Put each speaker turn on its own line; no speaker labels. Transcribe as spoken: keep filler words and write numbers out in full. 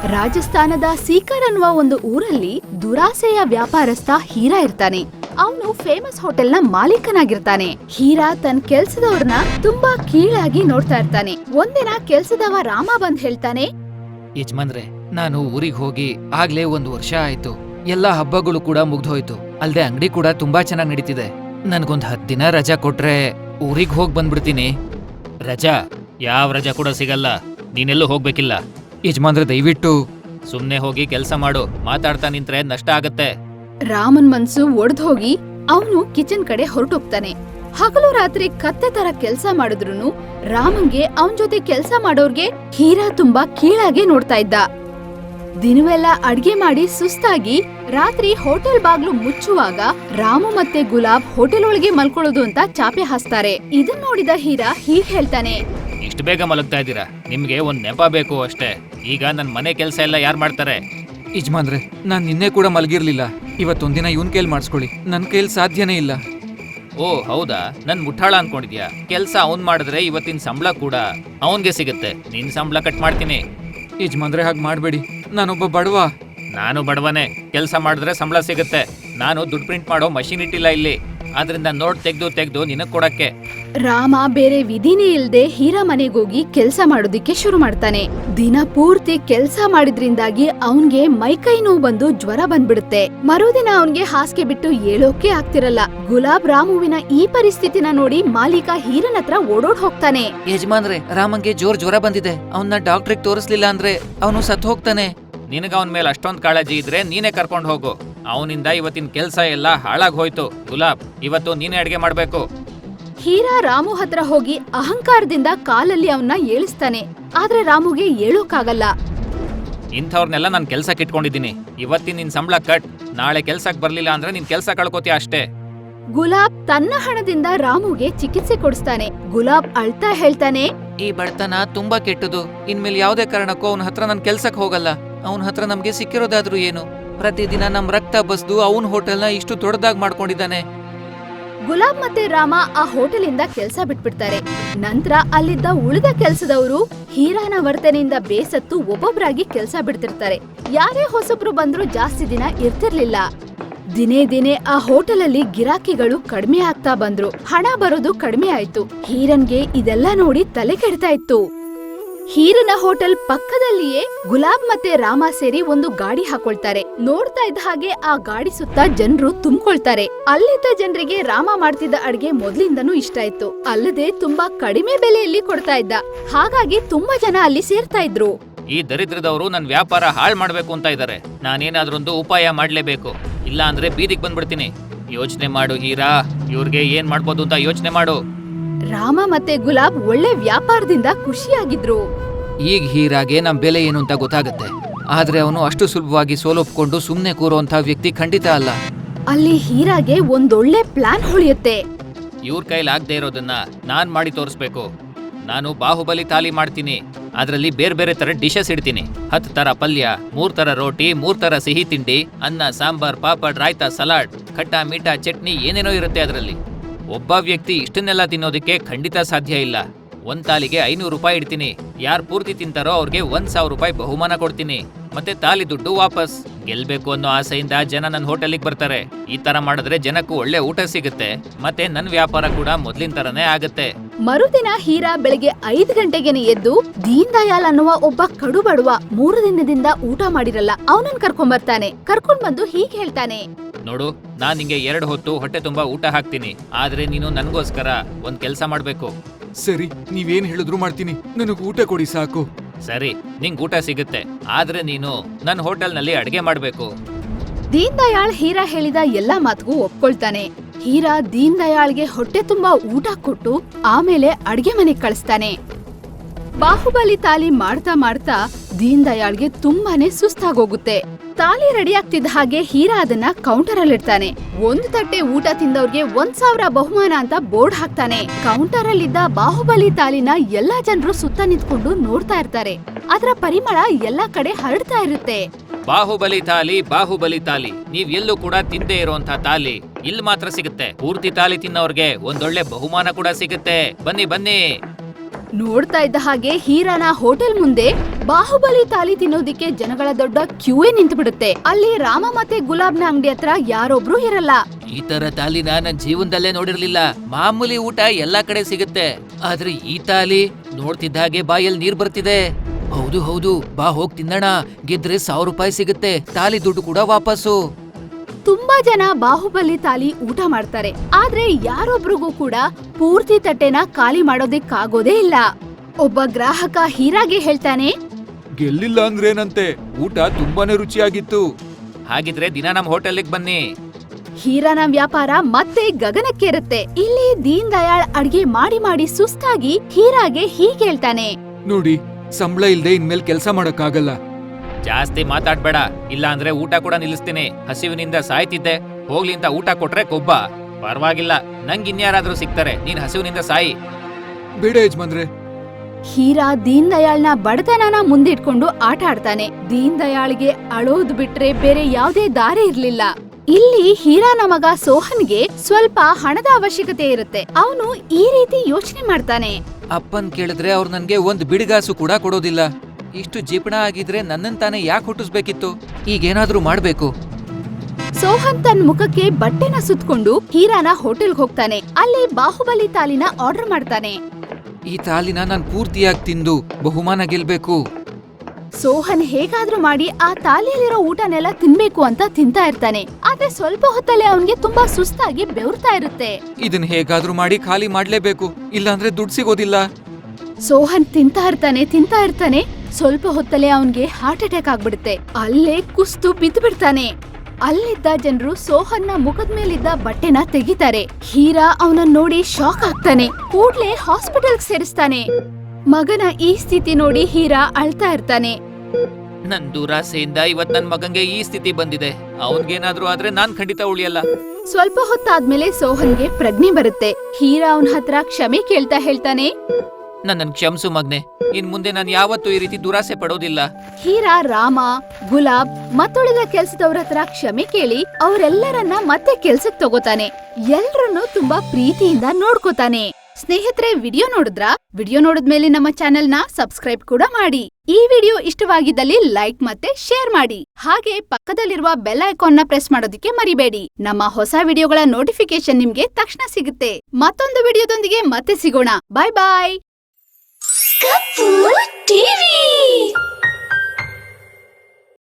ರಾಜಸ್ಥಾನದ ಸೀಕರ್ ಅನ್ನುವ ಒಂದು ಊರಲ್ಲಿ ದುರಾಸೆಯ ವ್ಯಾಪಾರಸ್ಥ ಹೀರಾ ಇರ್ತಾನೆ. ಅವನು ಫೇಮಸ್ ಹೋಟೆಲ್ ನ ಮಾಲೀಕನಾಗಿರ್ತಾನೆ. ಹೀರಾ ತನ್ನ ಕೆಲ್ಸದವ್ರನ್ನ ತುಂಬಾ ಕೀಳಾಗಿ ನೋಡ್ತಾ ಇರ್ತಾನೆ. ಒಂದಿನ ಕೆಲ್ಸದವ ರಾಮ ಬಂದ್ ಹೇಳ್ತಾನೆ,
ಯಜಮಾನ್ರೆ, ನಾನು ಊರಿಗೆ ಹೋಗಿ ಆಗ್ಲೇ ಒಂದು ವರ್ಷ ಆಯ್ತು. ಎಲ್ಲಾ ಹಬ್ಬಗಳು ಕೂಡ ಮುಗ್ದೋಯ್ತು. ಅಲ್ದೆ ಅಂಗಡಿ ಕೂಡ ತುಂಬಾ ಚೆನ್ನಾಗ್ ನಡೀತಿದೆ. ನನ್ಗೊಂದ್ ಹತ್ ದಿನ ರಜಾ ಕೊಟ್ರೆ ಊರಿಗ್ ಹೋಗ್ ಬಂದ್ಬಿಡ್ತೀನಿ. ರಜಾ? ಯಾವ ರಜಾ ಕೂಡ ಸಿಗಲ್ಲ. ನೀನೆಲ್ಲೂ ಹೋಗ್ಬೇಕಿಲ್ಲ. ಯಜಮಾನ್ರೆ, ದಯವಿಟ್ಟು ಸುಮ್ನೆ ಹೋಗಿ ಕೆಲ್ಸ ಮಾಡು. ಮಾತಾಡ್ತಾ ನಿಂತ್ರೆ ನಷ್ಟ ಆಗತ್ತೆ.
ರಾಮನ್ ಮನ್ಸು ಒಡ್ದ್ ಹೋಗಿ ಅವನು ಕಿಚನ್ ಕಡೆ ಹೊರಟೋಗ್ತಾನೆ. ಹಗಲು ರಾತ್ರಿ ಕತ್ತೆ ತರ ಕೆಲ್ಸ ಮಾಡಿದ್ರುನು ರಾಮನ್ಗೆ ಅವನ್ ಜೊತೆ ಕೆಲ್ಸ ಮಾಡೋರ್ಗೆ ಹೀರಾ ತುಂಬಾ ಕೀಳಾಗೆ ನೋಡ್ತಾ ಇದ್ದ. ದಿನವೆಲ್ಲ ಅಡ್ಗೆ ಮಾಡಿ ಸುಸ್ತಾಗಿ ರಾತ್ರಿ ಹೋಟೆಲ್ ಬಾಗ್ಲು ಮುಚ್ಚುವಾಗ ರಾಮು ಮತ್ತೆ ಗುಲಾಬ್ ಹೋಟೆಲ್ ಒಳಗೆ ಮಲ್ಕೊಳ್ಳೋದು ಅಂತ ಚಾಪೆ ಹಾಸ್ತಾರೆ. ಇದನ್ ನೋಡಿದ ಹೀರಾ ಹೀಗ್ ಹೇಳ್ತಾನೆ,
ಇಷ್ಟು ಬೇಗ ಮಲಗ್ತಾ ಇದ್ದೀರಾ? ನಿಮ್ಗೆ ಒಂದ್ ನೆಪ ಬೇಕು ಅಷ್ಟೇ. ಈಗ ನನ್ ಮನೆ ಕೆಲ್ಸ ಎಲ್ಲ ಯಾರ್ ಮಾಡ್ತಾರೆ? ಯಜಮಾನ್ರೆ, ನಾನ್ ನಿನ್ನೆ ಕೂಡ ಮಲಗಿರ್ಲಿಲ್ಲ. ಇವತ್ತೊಂದಿನ ಇವನ್ ಕೈಲ್ ಮಾಡಿಸ್ಕೊಳ್ಳಿ. ನನ್ ಕೈಲ್ ಸಾಧ್ಯನೇ ಇಲ್ಲ. ಓ ಹೌದಾ? ನನ್ ಮುಠಾಳ ಅನ್ಕೊಂಡಿದ್ಯಾ? ಕೆಲ್ಸ ಅವನ್ ಮಾಡಿದ್ರೆ ಇವತ್ತಿನ ಸಂಬಳ ಕೂಡ ಅವನ್ಗೆ ಸಿಗುತ್ತೆ. ನಿನ್ ಸಂಬಳ ಕಟ್ ಮಾಡ್ತೀನಿ. ಯಜಮಾನ್ರೆ, ಹಾಗೆ ಮಾಡ್ಬೇಡಿ. ನಾನೊಬ್ಬ ಬಡವ. ನಾನು ಬಡವನೇ. ಕೆಲ್ಸ ಮಾಡಿದ್ರೆ ಸಂಬಳ ಸಿಗುತ್ತೆ. ನಾನು ದುಡ್ಡು ಪ್ರಿಂಟ್ ಮಾಡೋ ಮಷೀನ್ ಇಟ್ಟಿಲ್ಲ ಇಲ್ಲಿ. ಆದ್ರಿಂದ ನೋಟ್ ತೆಗ್ದು ತೆಗ್ದು ನಿನಗ್ ಕೊಡಕ್ಕೆ.
ರಾಮ ಬೇರೆ ವಿಧಿನೇ ಇಲ್ದೆ ಹೀರಾ ಮನೆಗೋಗಿ ಕೆಲ್ಸ ಮಾಡೋದಿಕ್ಕೆ ಶುರು ಮಾಡ್ತಾನೆ. ದಿನ ಪೂರ್ತಿ ಕೆಲ್ಸ ಮಾಡಿದ್ರಿಂದಾಗಿ ಅವನ್ಗೆ ಮೈಕೈ ನೋವು ಬಂದು ಜ್ವರ ಬಂದ್ಬಿಡುತ್ತೆ. ಮರುದಿನ ಅವನ್ಗೆ ಹಾಸಿಗೆ ಬಿಟ್ಟು ಏಳೋಕೆ ಆಗ್ತಿರಲ್ಲ. ಗುಲಾಬ್ ರಾಮುವಿನ ಈ ಪರಿಸ್ಥಿತಿನ ನೋಡಿ ಮಾಲೀಕ ಹೀರನ್ ಹತ್ರ ಓಡೋಡ್ ಹೋಗ್ತಾನೆ.
ಯಜಮಾನ್ರೆ, ರಾಮಂಗೆ ಜೋರ್ ಜ್ವರ ಬಂದಿದೆ. ಅವನ್ನ ಡಾಕ್ಟ್ರಿಗೆ ತೋರಿಸ್ಲಿಲ್ಲ ಅಂದ್ರೆ ಅವನು ಸತ್ ಹೋಗ್ತಾನೆ. ನಿನಗ ಅವನ ಮೇಲೆ ಅಷ್ಟೊಂದ್ ಕಾಳಜಿ ಇದ್ರೆ ನೀನೇ ಕರ್ಕೊಂಡ್ ಹೋಗು. ಅವನಿಂದ ಇವತ್ತಿನ ಕೆಲ್ಸ ಎಲ್ಲ ಹಾಳಾಗ್ ಹೋಯ್ತು. ಗುಲಾಬ್, ಇವತ್ತು ನೀನೇ ಅಡ್ಗೆ ಮಾಡ್ಬೇಕು.
ಹೀರಾ ರಾಮು ಹತ್ರ ಹೋಗಿ ಅಹಂಕಾರದಿಂದ ಕಾಲಲ್ಲಿ ಅವನ್ನ ಏಳಿಸ್ತಾನೆ. ಆದ್ರೆ ರಾಮುಗೆ ಏಳೋಕಾಗಲ್ಲ.
ಇಂಥವ್ರನ್ನೆಲ್ಲ ನಾನ್ ಕೆಲ್ಸಕ್ಕೆ ಇಟ್ಕೊಂಡಿದ್ದೀನಿ. ಇವತ್ತಿನ ನಿನ್ ಸಂಬಳ ಕಟ್. ನಾಳೆ ಕೆಲ್ಸಕ್ ಬರ್ಲಿಲ್ಲ ಅಂದ್ರೆ ನಿನ್ ಕೆಲ್ಸ ಕಳ್ಕೋತೀಯ ಅಷ್ಟೇ.
ಗುಲಾಬ್ ತನ್ನ ಹಣದಿಂದ ರಾಮುಗೆ ಚಿಕಿತ್ಸೆ ಕೊಡಿಸ್ತಾನೆ. ಗುಲಾಬ್ ಅಳ್ತಾ ಹೇಳ್ತಾನೆ,
ಈ ಬಡತನ ತುಂಬಾ ಕೆಟ್ಟದು. ಇನ್ಮೇಲೆ ಯಾವ್ದೇ ಕಾರಣಕ್ಕೂ ಅವನ ಹತ್ರ ನನ್ ಕೆಲ್ಸಕ್ ಹೋಗಲ್ಲ. ಅವನ ಹತ್ರ ನಮ್ಗೆ ಸಿಕ್ಕಿರೋದಾದ್ರೂ ಏನು? ಪ್ರತಿದಿನ ನಮ್ ರಕ್ತ ಬಸ್ದು ಅವನ್ ಹೋಟೆಲ್ನ ಇಷ್ಟು ದೊಡ್ಡದಾಗ್ ಮಾಡ್ಕೊಂಡಿದ್ದಾನೆ.
ಗುಲಾಬ್ ಮತ್ತೆ ರಾಮ ಆ ಹೋಟೆಲಿಂದ ಕೆಲ್ಸ ಬಿಟ್ಬಿಡ್ತಾರೆ. ನಂತರ ಅಲ್ಲಿದ್ದ ಉಳಿದ ಕೆಲ್ಸದವರು ಹೀರಾನ ವರ್ತನೆಯಿಂದ ಬೇಸತ್ತು ಒಬ್ಬೊಬ್ರಾಗಿ ಕೆಲ್ಸ ಬಿಡ್ತಿರ್ತಾರೆ. ಯಾರೇ ಹೊಸಬ್ರು ಬಂದ್ರು ಜಾಸ್ತಿ ದಿನ ಇರ್ತಿರ್ಲಿಲ್ಲ. ದಿನೇ ದಿನೇ ಆ ಹೋಟೆಲಲ್ಲಿ ಗಿರಾಕಿಗಳು ಕಡಿಮೆ ಆಗ್ತಾ ಬಂದ್ರು. ಹಣ ಬರೋದು ಕಡಿಮೆ ಆಯ್ತು. ಹೀರನ್ಗೆ ಇದೆಲ್ಲ ನೋಡಿ ತಲೆ ಕೆಡ್ತಾ ಇತ್ತು. ಹೀರನ ಹೋಟೆಲ್ ಪಕ್ಕದಲ್ಲಿಯೇ ಗುಲಾಬ್ ಮತ್ತೆ ರಾಮ ಸೇರಿ ಒಂದು ಗಾಡಿ ಹಾಕೊಳ್ತಾರೆ. ನೋಡ್ತಾ ಇದ್ದ ಹಾಗೆ ಆ ಗಾಡಿ ಸುತ್ತ ಜನರು ತುಂಬಿಕೊಳ್ತಾರೆ. ಅಲ್ಲಿದ್ದ ಜನರಿಗೆ ರಾಮ ಮಾಡ್ತಿದ್ದ ಅಡ್ಗೆ ಮೊದ್ಲಿಂದನೂ ಇಷ್ಟ ಇತ್ತು. ಅಲ್ಲದೆ ತುಂಬಾ ಕಡಿಮೆ ಬೆಲೆಯಲ್ಲಿ ಕೊಡ್ತಾ ಇದ್ದ. ಹಾಗಾಗಿ ತುಂಬಾ ಜನ ಅಲ್ಲಿ ಸೇರ್ತಾ ಇದ್ರು.
ಈ ದರಿದ್ರದವರು ನನ್ ವ್ಯಾಪಾರ ಹಾಳ್ ಮಾಡ್ಬೇಕು ಅಂತ ಇದ್ದಾರೆ. ನಾನೇನಾದ್ರೊಂದು ಉಪಾಯ ಮಾಡ್ಲೇಬೇಕು. ಇಲ್ಲ ಅಂದ್ರೆ ಬೀದಿಗೆ ಬಂದ್ಬಿಡ್ತೀನಿ. ಯೋಚನೆ ಮಾಡು ಹೀರಾ, ಇವ್ರಿಗೆ ಏನ್ ಮಾಡ್ಬೋದು ಅಂತ ಯೋಚನೆ ಮಾಡು.
ರಾಮ ಮತ್ತೆ ಗುಲಾಬ್ ಒಳ್ಳೆ ವ್ಯಾಪಾರದಿಂದ ಖುಷಿಯಾಗಿದ್ರು.
ಈಗ ಹೀರಾಗೆ ನಮ್ ಬೆಲೆ ಏನು ಅಂತ ಗೊತ್ತಾಗತ್ತೆ. ಆದ್ರೆ ಅವನು ಅಷ್ಟು ಸುಲಭವಾಗಿ ಸೋಲೊಪ್ಕೊಂಡು ಸುಮ್ನೆ ಕೂರೋಂತ ವ್ಯಕ್ತಿ ಖಂಡಿತ ಅಲ್ಲ.
ಅಲ್ಲಿ ಹೀರಾಗೆ ಒಂದೊಳ್ಳೆ ಪ್ಲಾನ್ ಹೊಳಿಯುತ್ತೆ.
ಇವ್ರ ಕೈಲಿ ಆಗದೆ ಇರೋದನ್ನ ನಾನ್ ಮಾಡಿ ತೋರಿಸ್ಬೇಕು. ನಾನು ಬಾಹುಬಲಿ ತಾಲಿ ಮಾಡ್ತೀನಿ. ಅದ್ರಲ್ಲಿ ಬೇರೆ ಬೇರೆ ತರ ಡಿಶಸ್ ಇಡ್ತೀನಿ. ಹತ್ತು ತರ ಪಲ್ಯ, ಮೂರ್ ತರ ರೋಟಿ, ಮೂರ್ ತರ ಸಿಹಿ ತಿಂಡಿ, ಅನ್ನ, ಸಾಂಬಾರ್, ಪಾಪಡ್, ರಾಯ್ತಾ, ಸಲಾಡ್, ಖಟ್ಟ ಮೀಠ, ಚಟ್ನಿ, ಏನೇನೋ ಇರುತ್ತೆ ಅದ್ರಲ್ಲಿ. ಒಬ್ಬ ವ್ಯಕ್ತಿ ಇಷ್ಟನ್ನೆಲ್ಲ ತಿನ್ನೋದಕ್ಕೆ ಖಂಡಿತ ಸಾಧ್ಯ ಇಲ್ಲ. ಒಂದ್ ತಾಲಿಗೆ ಐನೂರು ರೂಪಾಯಿ ಇಡ್ತೀನಿ. ಯಾರು ಪೂರ್ತಿ ತಿಂತಾರೋ ಅವ್ರಿಗೆ ಒಂದ್ ಸಾವಿರ ರೂಪಾಯಿ ಬಹುಮಾನ ಕೊಡ್ತೀನಿ. ಮತ್ತೆ ತಾಲಿ ದುಡ್ಡು ವಾಪಸ್. ಗೆಲ್ಬೇಕು ಅನ್ನೋ ಆಸೆಯಿಂದ ಜನ ನನ್ನ ಹೋಟೆಲಿಗೆ ಬರ್ತಾರೆ. ಈ ತರ ಮಾಡಿದ್ರೆ ಜನಕ್ಕೂ ಒಳ್ಳೆ ಊಟ ಸಿಗುತ್ತೆ. ಮತ್ತೆ ನನ್ ವ್ಯಾಪಾರ ಕೂಡ ಮೊದ್ಲಿನ ತರನೇ ಆಗತ್ತೆ.
ಮರುದಿನ ಹೀರಾ ಬೆಳಿಗ್ಗೆ ಐದ್ ಗಂಟೆಗೆನೆ ಎದ್ದು ದೀನ್ ದಯಾಲ್ ಅನ್ನುವ ಒಬ್ಬ ಕಡು ಬಡವ ಮೂರು ದಿನದಿಂದ ಊಟ ಮಾಡಿರಲ್ಲ ಅವನನ್ನ ಕರ್ಕೊಂಡ್ ಬರ್ತಾನೆ. ಕರ್ಕೊಂಡ್ ಬಂದು ಹೀಗ್ ಹೇಳ್ತಾನೆ,
ನೋಡು, ನಾನ್ ನಿಂಗೆ ಎರಡು ಹೊತ್ತು ಹೊಟ್ಟೆ ತುಂಬಾ ಊಟ ಹಾಕ್ತೀನಿ. ಆದ್ರೆ ನೀನು ನನ್ಗೋಸ್ಕರ ಒಂದ್ ಕೆಲ್ಸ ಮಾಡ್ಬೇಕು.
ಸರಿ, ನೀವೇನ್ ಹೇಳಿದ್ರು ಮಾಡ್ತೀನಿ. ನನಗ್ ಊಟ ಕೊಡಿ ಸಾಕು.
ಸರಿ, ನಿಂಗ್ ಊಟ ಸಿಗುತ್ತೆ. ಆದ್ರೆ ನೀನು ನನ್ ಹೋಟೆಲ್ನಲ್ಲಿ ಅಡ್ಗೆ ಮಾಡ್ಬೇಕು.
ದೀನ್ ದಯಾಳ್ ಹೀರಾ ಹೇಳಿದ ಎಲ್ಲಾ ಮಾತಿಗೂ ಒಪ್ಕೊಳ್ತಾನೆ. ಹೀರಾ ದೀನ್ ದಯಾಳ್ಗೆ ಹೊಟ್ಟೆ ತುಂಬಾ ಊಟ ಕೊಟ್ಟು ಆಮೇಲೆ ಅಡ್ಗೆ ಮನೆಗ್ ಕಳಿಸ್ತಾನೆ. ಬಾಹುಬಲಿ ತಾಲಿ ಮಾಡ್ತಾ ಮಾಡ್ತಾ ದೀನ್ ದಯಾಳ್ಗೆ ತುಂಬಾನೇ ಸುಸ್ತಾಗೋಗುತ್ತೆ. ತಾಲಿ ರೆಡಿ ಆಗ್ತಿದ್ದ ಹಾಗೆ ಹೀರಾ ಅದನ್ನ ಕೌಂಟರ್ ಅಲ್ಲಿ ಇಡ್ತಾನೆ. ಒಂದು ತಟ್ಟೆ ಊಟ ತಿಂದವ್ರಿಗೆ ಒಂದ್ ಸಾವಿರ ಬಹುಮಾನ ಅಂತ ಬೋರ್ಡ್ ಹಾಕ್ತಾನೆ. ಕೌಂಟರ್ ಅಲ್ಲಿದ್ದ ಬಾಹುಬಲಿ ತಾಲಿನ ಎಲ್ಲಾ ಜನರು ಸುತ್ತ ನಿಂತ್ಕೊಂಡು ನೋಡ್ತಾ ಇರ್ತಾರೆ. ಅದರ ಪರಿಮಳ ಎಲ್ಲಾ ಕಡೆ ಹರಡ್ತಾ ಇರುತ್ತೆ.
ಬಾಹುಬಲಿ ತಾಲಿ, ಬಾಹುಬಲಿ ತಾಲಿ, ನೀವ್ ಎಲ್ಲೂ ಕೂಡ ತಿಂದೇ ಇರುವಂತ ತಾಲಿ ಇಲ್ಲಿ ಮಾತ್ರ ಸಿಗುತ್ತೆ. ಪೂರ್ತಿ ತಾಲಿ ತಿನ್ನೋರ್ಗೆ ಒಂದೊಳ್ಳೆ ಬಹುಮಾನ ಕೂಡ ಸಿಗುತ್ತೆ. ಬನ್ನಿ ಬನ್ನಿ.
ನೋಡ್ತಾ ಇದ್ದ ಹಾಗೆ ಹೀರಾನ ಹೋಟೆಲ್ ಮುಂದೆ ಬಾಹುಬಲಿ ತಾಲಿ ತಿನ್ನೋದಿಕ್ಕೆ ಜನಗಳ ದೊಡ್ಡ ಕ್ಯೂಯೇ ನಿಂತು ಬಿಡುತ್ತೆ. ಅಲ್ಲಿ ರಾಮ ಮತ್ತೆ ಗುಲಾಬ್ನ ಅಂಗಡಿ ಹತ್ರ ಯಾರೊಬ್ರು ಇರಲ್ಲ.
ಈ ತರ ತಾಲಿನ ನನ್ ಜೀವನದಲ್ಲೇ ನೋಡಿರ್ಲಿಲ್ಲ. ಮಾಮೂಲಿ ಊಟ ಎಲ್ಲಾ ಕಡೆ ಸಿಗುತ್ತೆ, ಆದ್ರೆ ಈ ತಾಲಿ ನೋಡ್ತಿದ್ದ ಹಾಗೆ ಬಾಯಲ್ಲಿ ನೀರ್ ಬರ್ತಿದೆ. ಹೌದು ಹೌದು, ಬಾ ಹೋಗ್ ತಿನ್ನೋಣ. ಗೆದ್ರೆ ಸಾವಿರ ರೂಪಾಯಿ ಸಿಗುತ್ತೆ, ತಾಲಿ ದುಡ್ಡು ಕೂಡ ವಾಪಸ್ಸು.
ತುಂಬಾ ಜನ ಬಾಹುಬಲಿ ತಾಲಿ ಊಟ ಮಾಡ್ತಾರೆ, ಆದ್ರೆ ಯಾರೊಬ್ರಿಗೂ ಕೂಡ ಪೂರ್ತಿ ತಟ್ಟೆನ ಖಾಲಿ ಮಾಡೋದಿಕ್ಕಾಗೋದೇ ಇಲ್ಲ. ಒಬ್ಬ ಗ್ರಾಹಕ ಹೀರಾಗೆ ಹೇಳ್ತಾನೆ,
ಗೆಲ್ಲಿಲ್ಲ ಅಂದ್ರೇನಂತೆ, ಊಟ ತುಂಬಾನೇ ರುಚಿಯಾಗಿತ್ತು.
ಹಾಗಿದ್ರೆ ದಿನ ನಮ್ ಹೋಟೆಲ್ಗೆ ಬನ್ನಿ.
ಹೀರಾನ ವ್ಯಾಪಾರ ಮತ್ತೆ ಗಗನಕ್ಕೇರುತ್ತೆ. ಇಲ್ಲಿ ದೀನ್ ದಯಾಳ್ ಅಡ್ಗೆ ಮಾಡಿ ಮಾಡಿ ಸುಸ್ತಾಗಿ ಹೀರಾಗೆ ಹೀಗೆ ಹೇಳ್ತಾನೆ,
ನೋಡಿ, ಸಂಬಳ ಇಲ್ದೆ ಇನ್ಮೇಲ್ ಕೆಲ್ಸ ಮಾಡಕ್ಕಾಗಲ್ಲ.
ಜಾಸ್ತಿ ಮಾತಾಡ್ಬೇಡ, ಇಲ್ಲ ಅಂದ್ರೆ ಊಟ ಕೂಡ ನಿಲ್ಲಿಸ್ತೀನಿ. ಹಸಿವಿನಿಂದ ಸಾಯ್ತಿದ್ದೆ, ಹೋಗ್ಲಿ ಅಂತ ಊಟ ಕೊಟ್ರೆ ಕೊಬ್ಬ. ಪರವಾಗಿಲ್ಲ, ನಂಗ್ ಇನ್ಯಾರಾದ್ರೂ ಸಿಗ್ತಾರೆ, ನೀನ್ ಹಸಿವಿನಿಂದ ಸಾಯಿ.
ಬೇಡ ಯಜಮಾನ್ರೆ.
ಹೀರಾ ದೀನ್ ದಯಾಳ್ನ ಬಡತನನ ಮುಂದಿಟ್ಕೊಂಡು ಆಟ ಆಡ್ತಾನೆ. ದೀನ್ ದಯಾಳ್ಗೆ ಅಳೋದು ಬಿಟ್ರೆ ಬೇರೆ ಯಾವ್ದೇ ದಾರಿ ಇರ್ಲಿಲ್ಲ. ಇಲ್ಲಿ ಹೀರಾನ ಮಗ ಸೋಹನ್ಗೆ ಸ್ವಲ್ಪ ಹಣದ ಅವಶ್ಯಕತೆ ಇರುತ್ತೆ. ಅವನು ಈ ರೀತಿ ಯೋಚನೆ ಮಾಡ್ತಾನೆ,
ಅಪ್ಪನ್ ಕೇಳಿದ್ರೆ ಅವ್ರು ನನ್ಗೆ ಒಂದ್ ಬಿಡಿಗಾಸು ಕೂಡ ಕೊಡೋದಿಲ್ಲ. ಇಷ್ಟು ಜಿಪಣ ಆಗಿದ್ರೆ ನನ್ನನ್ ತಾನೇ ಯಾಕೆ ಹುಟ್ಟಿಸ್ಬೇಕಿತ್ತು? ಈಗೇನಾದ್ರೂ ಮಾಡ್ಬೇಕು.
ಸೋಹನ್ ತನ್ನ ಮುಖಕ್ಕೆ ಬಟ್ಟೆನ ಸುತ್ಕೊಂಡು ಹೀರಾನ ಹೋಟೆಲ್ಗೆ ಹೋಗ್ತಾನೆ. ಅಲ್ಲಿ ಬಾಹುಬಲಿ ತಾಲಿನ ಆರ್ಡರ್ ಮಾಡ್ತಾನೆ.
ಈ ತಾಲಿನ ನಾನ್ ಪೂರ್ತಿಯಾಗಿ ತಿಂದು ಬಹುಮಾನ ಗೆಲ್ಬೇಕು.
ಸೋಹನ್ ಹೇಗಾದ್ರೂ ಮಾಡಿ ಆ ತಾಲಿಯಲ್ಲಿರೋ ಊಟನೆಲ್ಲ ತಿನ್ಬೇಕು ಅಂತ ತಿಂತಾ ಇರ್ತಾನೆ. ಆದ್ರೆ ಸ್ವಲ್ಪ ಹೊತ್ತಲ್ಲೇ ಅವನ್ಗೆ ತುಂಬಾ ಸುಸ್ತಾಗಿ ಬೆವರ್ತಾ ಇರುತ್ತೆ.
ಇದನ್ ಹೇಗಾದ್ರೂ ಮಾಡಿ ಖಾಲಿ ಮಾಡ್ಲೇಬೇಕು, ಇಲ್ಲಾಂದ್ರೆ ದುಡ್ಡು ಸಿಗೋದಿಲ್ಲ.
ಸೋಹನ್ ತಿಂತಾ ಇರ್ತಾನೆ ತಿಂತಾ ಇರ್ತಾನೆ ಸ್ವಲ್ಪ ಹೊತ್ತಲ್ಲೇ ಅವನ್ಗೆ ಹಾರ್ಟ್ ಅಟ್ಯಾಕ್ ಆಗ್ಬಿಡುತ್ತೆ. ಅಲ್ಲೇ ಕುಸ್ತು ಬಿದ್ದು ಬಿಡ್ತಾನೆ. ಅಲ್ಲಿದ್ದ ಜನರು ಸೋಹನ್ನ ಮುಖದ ಮೇಲಿದ್ದ ಬಟ್ಟೆನ ತೆಗಿತಾರೆ. ಹೀರಾ ಅವನನ್ನ ನೋಡಿ ಶಾಕ್ ಆಗ್ತಾನೆ. ಕೂಡ್ಲೆ ಹಾಸ್ಪಿಟಲ್ಗೆ ಸೇರಿಸ್ತಾನೆ. ಮಗನ ಈ ಸ್ಥಿತಿ ನೋಡಿ ಹೀರಾ ಅಳ್ತಾ ಇರ್ತಾನೆ.
ನನ್ ದುರಾಸೆಯಿಂದ ಇವತ್ ನನ್ ಮಗಂಗೆ ಈ ಸ್ಥಿತಿ ಬಂದಿದೆ. ಅವನ್ಗೇನಾದ್ರೂ ಆದ್ರೆ ನಾನ್ ಖಂಡಿತ ಉಳಿಯಲ್ಲ.
ಸ್ವಲ್ಪ ಹೊತ್ತಾದ್ಮೇಲೆ ಸೋಹನ್ಗೆ ಪ್ರಜ್ಞೆ ಬರುತ್ತೆ. ಹೀರಾ ಅವನ ಹತ್ರ ಕ್ಷಮೆ ಕೇಳ್ತಾ ಹೇಳ್ತಾನೆ,
ನನ್ನನ್ ಕ್ಷಮಿಸು ಮಗ್ನೆ, ಇನ್ ಮುಂದೆ ನಾನು ಯಾವತ್ತೂ ಈ ರೀತಿ ದುರಾಸೆ ಪಡೋದಿಲ್ಲ.
ಹೀರಾ ರಾಮ, ಗುಲಾಬ್ ಮತ್ತುಳಿದ ಕೆಲ್ಸದವ್ರ ಹತ್ರ ಕ್ಷಮೆ ಕೇಳಿ ಅವರೆಲ್ಲರನ್ನ ಮತ್ತೆ ಕೆಲ್ಸಕ್ ತಗೋತಾನೆ. ಎಲ್ರನ್ನೂ ತುಂಬಾ ಪ್ರೀತಿಯಿಂದ ನೋಡ್ಕೋತಾನೆ. ಸ್ನೇಹಿತರೆ, ವಿಡಿಯೋ ನೋಡಿದ್ರ? ವಿಡಿಯೋ ನೋಡಿದ್ಮೇಲೆ ನಮ್ಮ ಚಾನೆಲ್ ನ ಸಬ್ಸ್ಕ್ರೈಬ್ ಕೂಡ ಮಾಡಿ. ಈ ವಿಡಿಯೋ ಇಷ್ಟವಾಗಿದ್ದಲ್ಲಿ ಲೈಕ್ ಮತ್ತೆ ಶೇರ್ ಮಾಡಿ. ಹಾಗೆ ಪಕ್ಕದಲ್ಲಿರುವ ಬೆಲ್ ಐಕಾನ್ ನ ಪ್ರೆಸ್ ಮಾಡೋದಕ್ಕೆ ಮರಿಬೇಡಿ. ನಮ್ಮ ಹೊಸ ವಿಡಿಯೋಗಳ ನೋಟಿಫಿಕೇಶನ್ ನಿಮ್ಗೆ ತಕ್ಷಣ ಸಿಗುತ್ತೆ. ಮತ್ತೊಂದು ವಿಡಿಯೋದೊಂದಿಗೆ ಮತ್ತೆ ಸಿಗೋಣ. ಬಾಯ್ ಬಾಯ್.
Kapoor TV